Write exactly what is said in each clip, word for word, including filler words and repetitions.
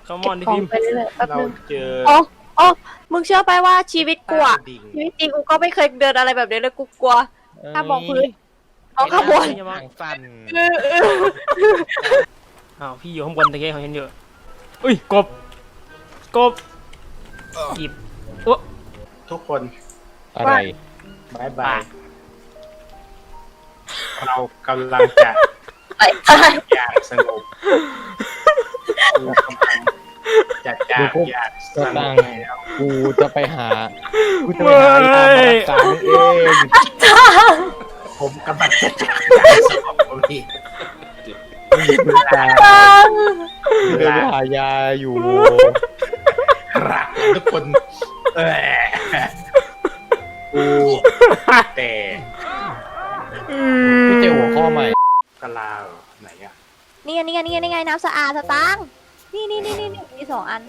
เขามอนดิพิมไปเรื่อยๆแป๊บเรานึงเจออ๋ออ๋อมึงเชื่อไปว่าชีวิตกูอะดิ่งชีวิตจริงกูก็ไม่เคยเดินอะไรแบบนี้เลยกูกลัวถ้ามองพื้นมองข้างบนอย่ามองทางสั้นเออเอออ้าวพี่อยู่ข้างบนตะเกียบเขาเห็นเยอะอุ้ยกบกบหยิบโอ้ทุกคนอะไรบายบายเรากำลังจะไปตายอย่างสงบกูกำลังจะจากอย่างสงบแล้วกูจะไปหา กูจะไปหายามารักษามึงเองผมกำลังจะจากอย่างสงบของพี่มึงตายตังกูจะไปหายาอยู่รักทุกคนเออกูแต่พี่เจอหัวข้อใหม่กะลาเหรอไหนอะนี่ไงนี่ไงนี่ไงนี่ไงน้ำสะอาดสตังค์นี่นี่นี่นี่นี่มีสองอัน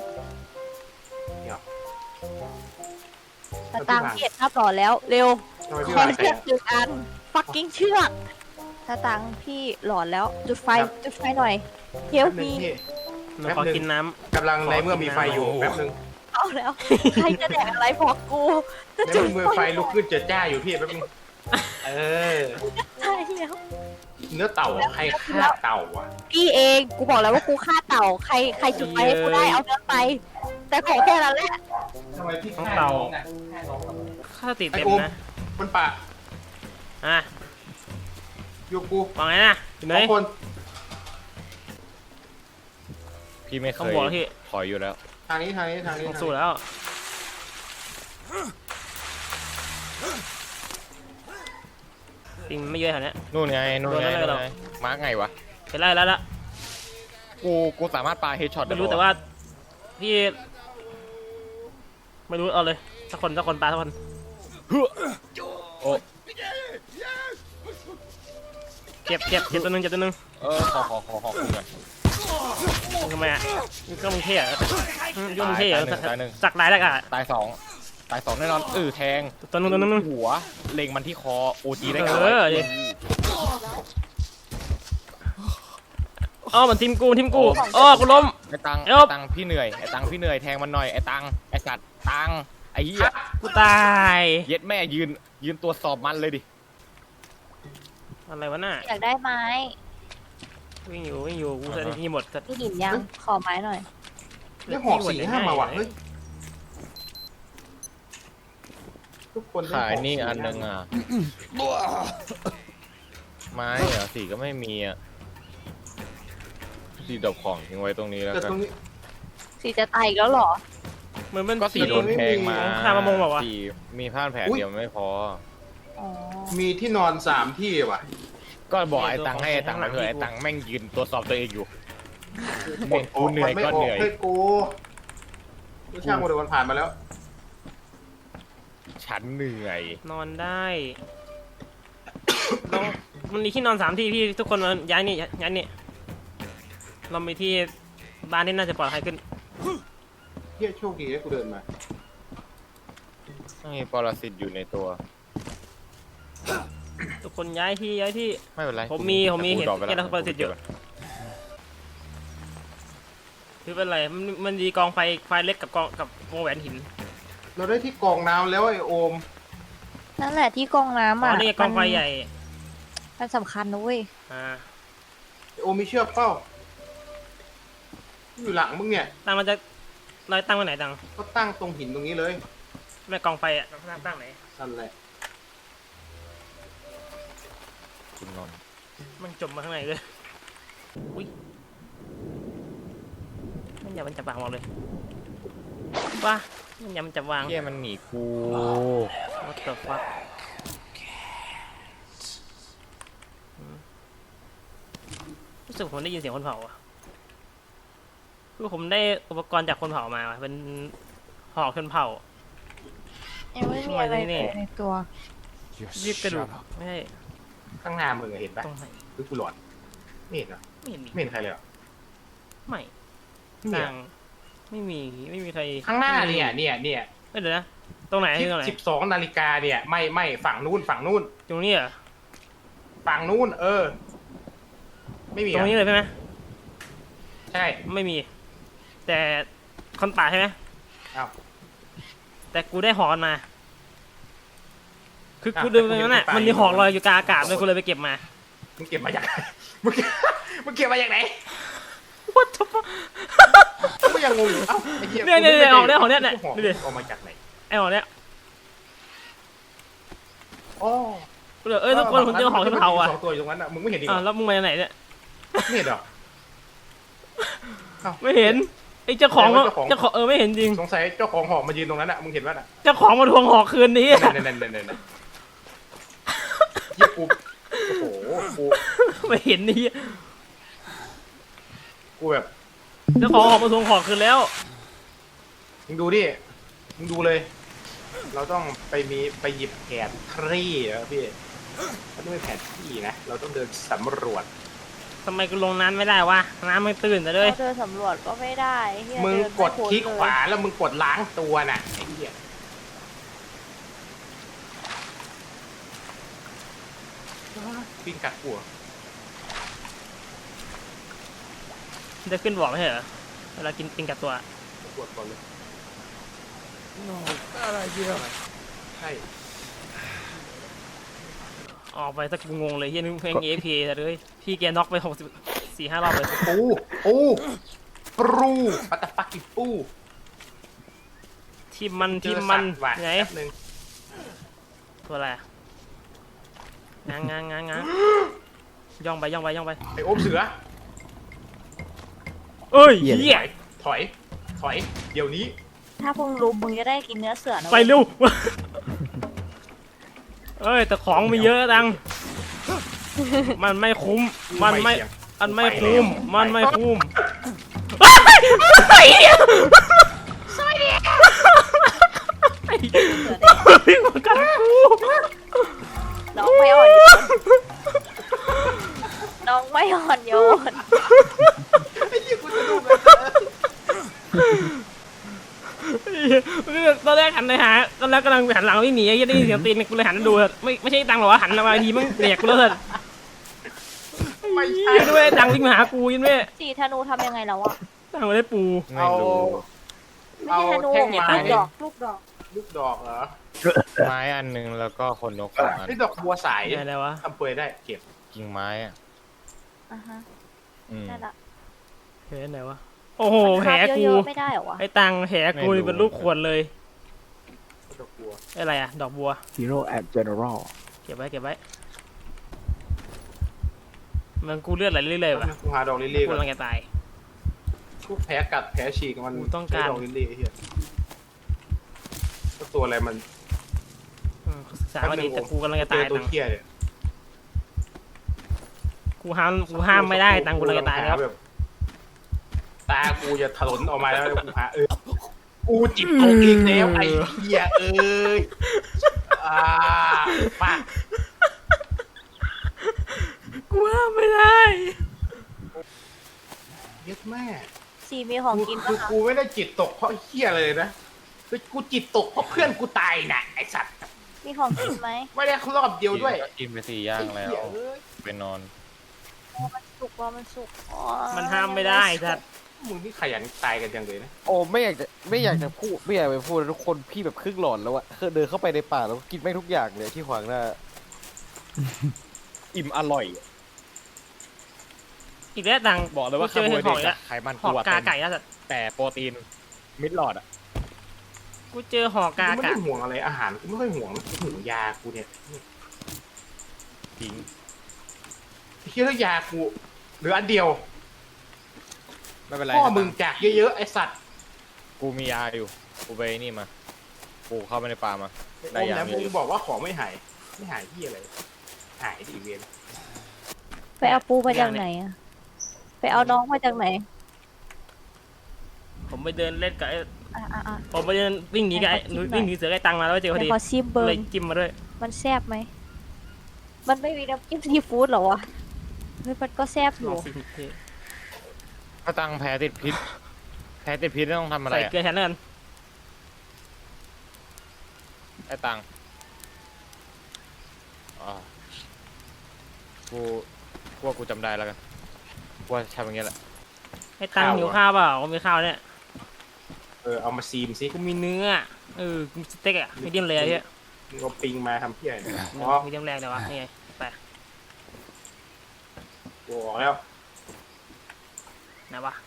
สตังค์เก็บภาพหล่อแล้วเร็วทำไมขพี่อวางเชือกหนึ่งอันฟักกิ้งเชือกสตังค์พี่หลอนแล้วจุดไฟจุดไฟหน่อยเฮลแป๊บนึมีงพี่หนูขอกินน้กำลังในเมื่อมีไฟอยู่แป๊บนึงเอาแล้วใครจะแดกอะไรพอกูจะในจุดเมื่อไฟลุกขึ้นจะจ้าอยู่พี่แป๊บนึงเออใช่แล้วเนื้อเต่าใครฆ่าเต่าอ่ะพี่เองกูบอกแล้วว่ากูฆ่าเต่าใครใครจุดไฟให้กูได้เอาเนื้อไป แต่ขอแค่นั้นแหละทำไมพี่ำต้องฆ่าเตาน้องอ่ะฆ่าน้องทำไมข้าติดไอ้เต็มโอมนะบนป่าอ่ะอยู่กูวางไงนะอยู่ไหนสองคนพี่ไม่เคต้องยบอกพี่ถอยอยู่แล้วทางนี้ทางนี้ทางนี้ต้องสู้แล้วปิงไม่เยอะแถวเนี้ยนู่นไง นู่นไงโดนอะไรนู่นหรอไง มาร์กไงวะเห็นไล่แล้วละกู กูสามารถปาเฮดช็อตไม่รู้แต่ว่าพี่ไม่รู้เอาเลยสักคนสักคนปลาสักคนโอ้เก็บเก็บเก็บตัวหนึงเก็บตัวหนึงเออ ขอขอขอขอคุณหน่อยมึงทำไมอ่ะมึงก็มึงเท่อะอืมยุ่งมึงเท่อะตายหนึ่งตายหนึ่งสักลายแล้วอ่ะตายสองตายสองแน่นอนเออแทงตัวหนึงตัวหนึงตัวหนึงหัว เล็งมันที่คอ โอจีได้เอไงอวะดิ อ๋อมันทีมกูทีมกูอ๋อกูล้มไอ้ตังเอ้าไอ้ตังพี่เหนื่อย ไอ้ตังพี่เหนื่อย แทงมันหน่อย ไอ้ตัง ไอ้สัตว์ ตัง ไอ้เหี้ยกูตายเย็ดแม่ยืน ยืนตรวจสอบมันเลยดิอะไรวะน่ะอยากได้ไม้วิ่งอยู่วิ่งอยู่กูใส่ที่หมดแต่พี่หินยังขอไม้หน่อยเรียกหอกสี่ห้ามาว่ะเฮ้ยทุกคนเรีกขายหกนี่สี่อันหนึงห้าอ่ะ ไม้เหรอสีก็ไม่มีอ่ะสีดอกของทิ้งไว้ตรงนี้แล้วแต่กัตนรงนี้สีจะตายอีกแล้วเหรอเหมือนมันก็สีโดนแทงมาข้ามามงบอกว่าสีมีผ้าแผลเดียวไม่พออ๋อมีที่นอนสามที่ว่ะก็บอกไอ้ตังค์ให้ไอ้ตังค์มาเถอะไอ้ตังค์แม่งยืนตรวจสอบตัวเองอยู่แม่งกูเหนื่อยมัไม่ก็อเหอกนื่อยให้กูกูช่างกูเดี๋ยวมันผ่านมาแล้วฉันเหนื่อยนอนได้ลองมันมีที่นอนสามที่พี่ทุกคนมาย้ายนี่ย้ายนี่เรามีที่บ้านที่น่าจะปลอดภัยขึ้นเฮียโชคดีที่กูเดินมาไม่มีปรสิตอยู่ในตัวทุกคนย้ายที่ย้ายที่ไม่เป็นไรผมมีผมมีแต่เห็นกูดรอปไปเห็นแล้วปรสิตอยู่ คือเป็นไรมันมันดีกองไฟไฟเล็กกับกองกับวงแหวนหินเราได้ที่กรองน้ำแล้วไอ้โอมนั่นแหละที่กองน้ำอ๋ออ่ะนี่กองไฟใหญ่มันสำคัญนะเว้ยอ่าไอ้โอมมีเชือกเปล่าอยู่หลังมึงเนี่ยตั้งมันจะเราตั้งไว้ไหนตังก็ตั้งตรงหินตรงนี้เลยไม่กองไฟอ่ะตั้งตั้งไหนนั่นแหละคุณนนท์มันจมมาข้างในเลยอุ้ยมันอย่ามันจับวางหมดเลยว้ามันอย่ามันจับวางเฮียมันหนีกู What the fuck รู้สึกผมได้ยินเสียงคนเผาอ่ะคือผมได้อุปกรณ์จากคนเผามาว่ะเป็นหอกชนเผายังไม่มีอะไรเลยในตัวยืดกระดูกไม่ใช่ข้างหน้ามึงอะเห็นปะตรงไหนหรือกูหลอนไม่เห็นเหรอไม่เห็นมีไม่เห็นใครเลยเหรอไม่ไม่มีต่าอะงไม่มีไม่มีใครข้างหน้าเนี่ยเนี่ยเนี่ยไม่เดี๋ยวนะตรงไหนตรงไหนสิบสองนาฬิกาเนี่ยไม่ไม่ฝั่งนู้นฝั่งนู้นตรงนี้เหรอฝั่งนู้นเออ ไม่มีตรงนี้อะเลยใช่ไหมใช่ไม่มีแต่คนป่าใช่ไหมอ้าวแต่กูได้หอกมันมา คืออ่ะกูเดินไปนั้นน่ะแต่กูเห็นคนป่ามันมีหอกลอยอยู่กลางอากาศเลยกูเลยไปเก็บมามึงเก็บมาจากไหนมึงเก็บมึงเก็บมาจากไหน What the fuck กูยังงงอยู่เอ้าไอ้เหี้ยเนี่ยเนี่ยเนี่ยออกเนี่ยออกเนี่ยเนี่ยหอกดูดิออกมาจากไหนไอ้หอกเนี้ยอ๋อกูเลยเอ้ยทุกคนผมเจอหอกชนเผ่าอ่ะสองตัวอยู่ตรงนั้นอ่ะมึงไม่เห็นดิอ่าวแล้วมึงมาจากไหนเนี่ยไม่เห็นเหรอไม่เห็นไอ้เจ้าของแสดงว่าเจ้าของเจ้าของเออไม่เห็นจริงสงสัยเจ้าของหอกมายืนตรงนั้นอ่ะมึงเห็นป่ะน่ะเจ้าของมาทวงหอกคืนนี้อะนั่นนั่นนั่นนั่นนั่นเหี้ยกูโอ้โหกูไม่เห็นนี่กูแบบเจ้าของหอกมาทวงหอกคืนแล้วมึงดูดิมึงดูเลย เราต้องไปมีไปหยิบแผนที่อะพี่มันต้องเป็นแผนที่นะเราต้องเดินสำรวจทำไมกูลงน้ำไม่ได้วะน้ำไม่ตื้นแต่เลยเราเดินสำรวจก็ไม่ได้เหี้ยมึงเนกดไพ้นคลิกเลยขวาแล้วมึงกดล้างตัวน่ะไอ้เหี้ยปิ้งกัดหัวจะขึ้นบอกไม่ใช่เหรอเวลากินปิงกับตัวปวดก่อนเลยอะไรเยอะใช่ออกไปสักกูงงเลยเฮียนึกเพลงเอพีเลยพี่แกน็อกไปหกสิบสี่ห้ารอบเลยปูปูปรูปัตตฟักกิปูทีมมันทีมมันเจอสัตว์ว่ะไงแป๊บนึงตัวอะไรอะง้างง้างง้างง้างย่องไปย่องไปย่องไปไอโอมเสือเอ้ยเฮียถอย ถอย เดี๋ยวนี้ถ้าพวกรู้มึงจะได้กินเนื้อเสือนะไปเว้ยเร็วเอ้ยแต่ของมีเยอะจังมันไม่คุ้มมันไม่เสี่ยงมันไม่คุ้มมันไม่คุ้มไอ้เหี้ยไอ้พี่มากัดกูน้องไม่อ่อนโยนน้องไม่อ่อนโยนไอ้เหี้ยกูจะดูเลยตอนแรกหันไปหาตอนแรกกำลังหันหลังวิ่งหนีไอ้เหี้ยได้ยินเสียงตีนกูเลยหันมาดูไม่ไม่ใช่ตังหรอวะหันมาทีมึงเด็กกูแล้วเถอะไม่ใช่ยินด้วยตังวิ่งมาหากูยินด้วยสีธนูทำยังไงแล้วอะตังมาได้ปูไม่รู้ไม่ใช่ธนูแท่งไม้ลูกดอกลูกดอกลูกดอกเหรอไม้อันหนึ่งแล้วก็คนนกสองอันนี่ดอกบัวสายไงแล้ววะทำเปลือยได้เก็บกิ่งไม้อ่ะอ่ะฮะอืมนั่นละเฮ้ยไหนวะโอ้โหแผลคาบกูเยอะๆไม่ได้เหรอวะไอ้ตังแผลกูนี่เป็นลูกขวดเลยดอกบัวไอ้อะไรอะดอกบัว Hero at General เก็บไว้เก็บไว้มันกูเลือดไหลเรื่อยๆว่ะกูหาดอกลิลลี่กูก่อนกำลังจะตายกูแผลกัดแผลฉีกมันกูต้องการใช้ดอกลิลลี่ไอ้เหี้ยตัวอะไรมันอืมศึกษาว่าดีแต่กูกำลังจะตายเจอตัวตังเหี้ยเนี่ยกูห้ามกูห้ามไม่ได้ตังกูกำลังจะตายแล้วแบบตากูจะถลนออกมาแล้วกูหาเออกูจิบตกอีกแล้วไอ้เหี้ยเอ้ยอ่าปากกูห้ามไม่ได้เย็ดแม่สีมีของกูกินคืปะอคะกูไม่ได้จิตตกเพราะไอ้เหี้ยเลยนะคือกูจิตตกเพราะเพื่อนกูตายน่ะไอ้สัตว์มีของกินไหมไม่ได้รอบเดียวด้วยกินไปสี่ย่างแล้วไอ้เหี้ยเอ้ยไปนอนมันสุกว่ามันสุกอ๋อมันห้ามไม่ได้สัตว์มึงนี่ขยันตายกันจังเลยนะโอ้ไม่อยากจะไม่อยากจะพูดไม่อยากไปพูดนะทุกคนพี่แบบครึ่งหลอนแล้วอะคือเดินเข้าไปในป่าแล้วกินไม่งทุกอย่างเลยที่ขวางหน้าอิ่มอร่อยอีกแล้วตังบอกเลยว่าเจอคาร์โบเห็ไฮดเดหรอกตอีกแล้วไขมันหอกตัวกาเต็มไก่แล้วสัตว์แต่โปรตีนมิดหลอดอ่ะกูเจอหอกกากูไม่กะได้ห่วงอะไรอาหารกูไม่ค่อยห่วงกูห่วงยากูเนี่ยจริงไอ้เหี้ยแล้วยากูเหลืออันเดียวไม่เป็นไรพ่อนะมึงจากเยอะๆไอ้สัตว์กูมียาอยู่กูไปนี่มากูเข้าไปในป่ามา ได้โอมยาแล้วมีมึงอยู่บอกว่าของไม่หายไม่หายที่อะไรหายดิเวียนไปเอาปูมาจากไหนอะไปเอาน้องมาจากไหนผมไปเดินเล่นกับไอ้อ่ะอ่ะอ่ะผมไปเดินวิ่งหนีกับไอ้ให้เขาจิ้มหน่อยวิ่งหนีเสือไอ้ตังมาแล้วเจอพอไปดีขอชิมเบิเลร์ยนจิ้มมาด้วยมันแซ่บไหมมันไม่มีน้ำจิ้มซีฟู้ดเหรอวะเฮ้ยมันก็แซ่บอลยู่องสิพี่ถ้าตังแพ้ติดพิษแพ้ติดพิษต้องทำอะไรใส่อะเกลือแทนแล้วกันไอ้ตังอ่ากูกูว่ากูจำได้แล้วกันกูว่าทำอย่างเงี้ยแหละไอ้ตังหิวข้าวเปล่าผมมีข้าวเนี่ยเออเอามาซีมสิกูมีเนื้อเออกูมีสเต็กอะมีเดียมแรร์เฮียมึงเอาปิงมาทำเพี้ยเนี่ยมีอ๋อเดียมแรร์เลยวะนี่ไงไปบอกแล้วไหนวะ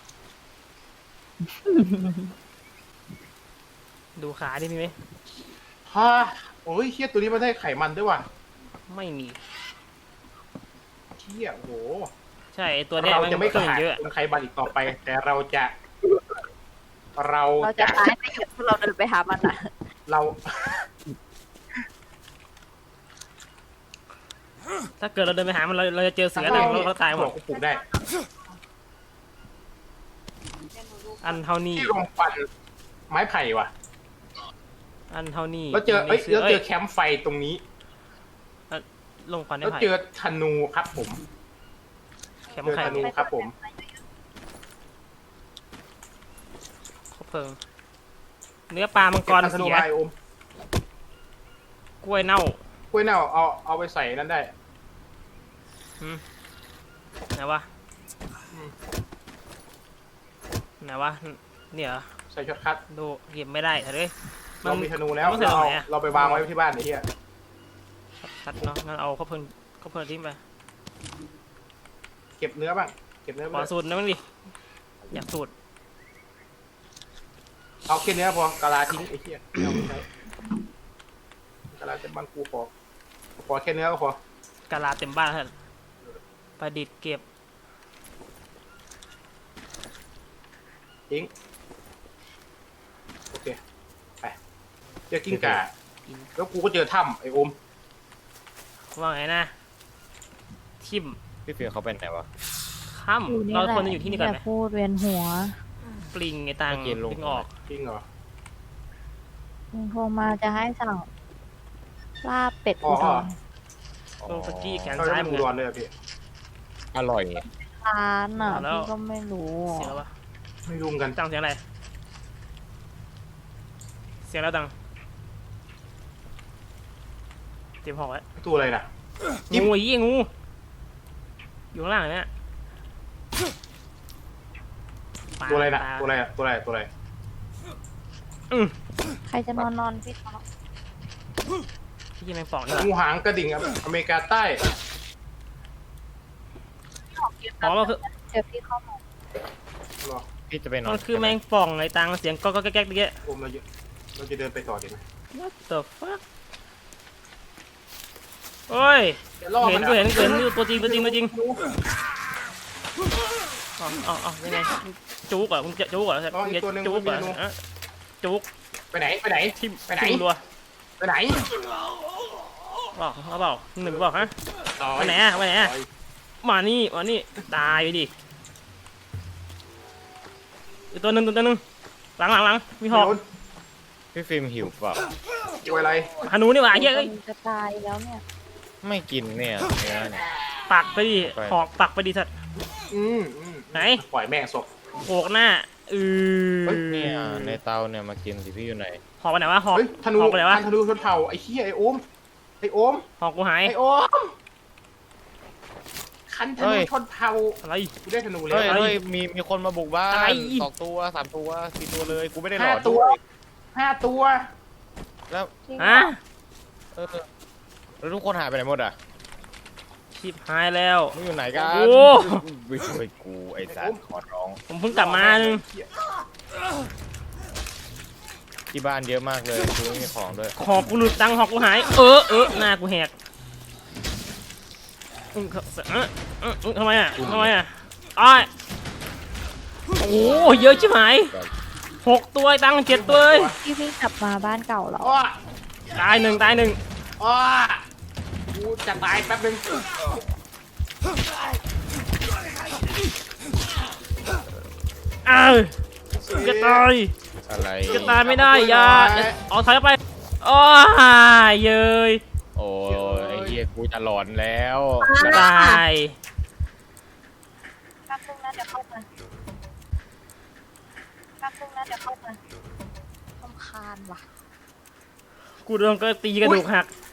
ดูขาดิมีไหมฮ่าโอ้ยเฮียตัวนี้มันได้ไขมันด้วยว่ะไม่มีเฮียโอ้โหใช่ไอ้ตัวเนี้ยเรามันจะไม่เครื่องขาดเยอะคนไขมันอีกต่อไป แต่เราจะ เราเราจะจะตายไปหยุดพวกเราเดินไปหามันอ่ะเราถ้าเกิดเราเดินไปหามันเราเราจะเจอเสือหนึ่งแล้วเราตายหมดกูปลูกได้อันเท่านี้ที่โรงฟันไม้ไผ่ว่ะอันเท่านี้แล้วเจอเอ้ยสืแล้วเจออ้ยแคมป์ไฟตรงนี้ลงควันได้แล้วไผ่เจอธนูครับผมแคมเจอไข่ธนูครับผมครบเพลิงเนื้อปลามังกรเบธนูเสียไม้อมกล้วยเน่ากล้วยเน่าเอาเอาไปใส่นั่นได้ไหนวะอืมไหนวะเนี่ยเหรอใส่ช็อตคัทดูเก็บไม่ได้เถอะเลยเรามีธนูแล้วมันใส่เราตรงเอาไหนอะเราไปวางไว้ที่บ้านไอ้เหี้ยชัดเนาะงั้นเอาข้าวเพลิงข้าวเพลิงทิ้งไปเก็บเนื้อบ้างเก็บเนื้อขไปอด้วยสูตรนะมั้งดิอยากสูตรเอาแค่เนื้อพอกะลาทิ้งไอ้เหี้ยเอาไม่ใช้กะลาจะบังกูพอพอแค่เนื้อก็พอกาลาเต็มบ้านเถอะประดิษฐ์เก็บทิ้งโอเคไปเจอกิ้งก่าแล้วกูก็เจอถ้ำไอ้อมว่าไงนะทิมพี่ฟิล์มเขาเป็นไหนวะค่ำเราควรจะอยู่ที่นี่ก่อนไหมอย่าพูดเวียนหัวปลิงไงตังเมื่อกี้ลงปลิงออกจริงเหรอมึงโทรมาจะให้สั่งลาบเป็ดอ๋ออุดรโลสกี้แขนเขาซ้ายจะมึดูงร้ออะนเลยอะพี่อร่อยร้านอ่ะเอาแล้วพี่ก็ไม่รู้เสียงแล้ววะไม่รุมกันตังเสียงอะไรเสียงแล้วตังเตรียมหอกไว้ตัวอะไรน่ะ จิ้มงูไอ้ยี่งูอยู่ข้างล่างเนี่ยตัวอะไรน่ะปลาตัวอะไรอะตัวอะไรตัวอะไรอืมใครจะนอนนอนพี่ท็อปพี่แมงป่องนี่หว่างูหางกระดิ่งอเมริกาใต้อ๋อมันคือเดี๋ยวพี่เข้ามาเหรอพี่จะไปนอนมันคือแมงป่องไอ้ตังเสียงก็ก็แก๊กๆเมื่อกี้อมเราจะเราจะเดินไปต่อดีไหม What the fuck โอ้ยดี๋ยวล่อเห็นมักูอะเห็นกูเห็นนี่ตัวจริงตัวจริงตัวจริงอ๋ออ๋ออ๋อยังไงจุกเหรอมึงจะจุกเหรอมึงจะจุกเหรอฮะจุกไปไหนไปไหนทิมไปไหนทิมรัวไปไหนบอกเขาเปล่าหนึ่งบอกฮะต่อไปไหนอะไปไหนอะ มานี่มานี่ตายไปดิอีกตัวหนึ่งตัวหนึ่งหลังหลังหลังมีหอกพี่ฟิล์มหิวเปล่าตัวอะไรฮานูนี่หว่าเฮ้ยเอ้ยจะตายแล้วเนี่ยไม่กินเนี่ยเนื้อเนี่ยปักไปดิไปหอกปักไปดิสัตว์อืมอืมไหนปล่อยแม่งศพโขกหน้าอือเนี่ยในเตาเนี่ยมากินสิพี่อยู่ไหนหอกไปไหนวะหอกเฮ้ยธนูหอกไปไหนวะธนูชนเผ่าไอ้เหี้ยไอ้โอมไอ้โอมหอกกูหายไอ้โอมคันธนูชนเผ่าอะไรกูได้ธนูแล้เฮ้วยเฮ้ยมีมีคนมาบุกบ้าอะไรนสองตัวสามตัวสี่ตัวเลยกูไม่ได้หลห้าอนตัด้ววยห้าตัวแล้วฮะเออแล้วทุกคนหายไปไหนหมดอ่ะชิบหายแล้วมึงอยู่ไหนกันโอ้ไม่ช่วยกูไอ้สัตว์ขอร้องผมเพิ่งกลับมานึงที่บ้านเยอะมากเลยกูไม่มีของด้วยหอกกูหลุดตังค์หอกกูหาย เออเออหน้ากูแหกอืมเออเออเออทำไมอ่ะทำไมอ่ะอ้ายโอ้โหเยอะชิบหายหกตัวไอ้ตังค์เจ็ดตัวเลยพี่พี่กลับมาบ้านเก่าแล้วอ้อตายหนึ่งตายหนึ่งอ้อกูจะตายแป๊บนึงอ้าวจะตายอะไรจะตายไม่ได้อย่าเอาถอยไปอ้าเย้ยโอ้ยไอ้เหี้ยกูจะหลอนแล้วตายแป๊บนึงนะเดี๋ยวเข้ามาแป๊บนึงนะเดี๋ยวเข้ามาทำคาญว่ะกูโดนก็ตีกระดูกหัก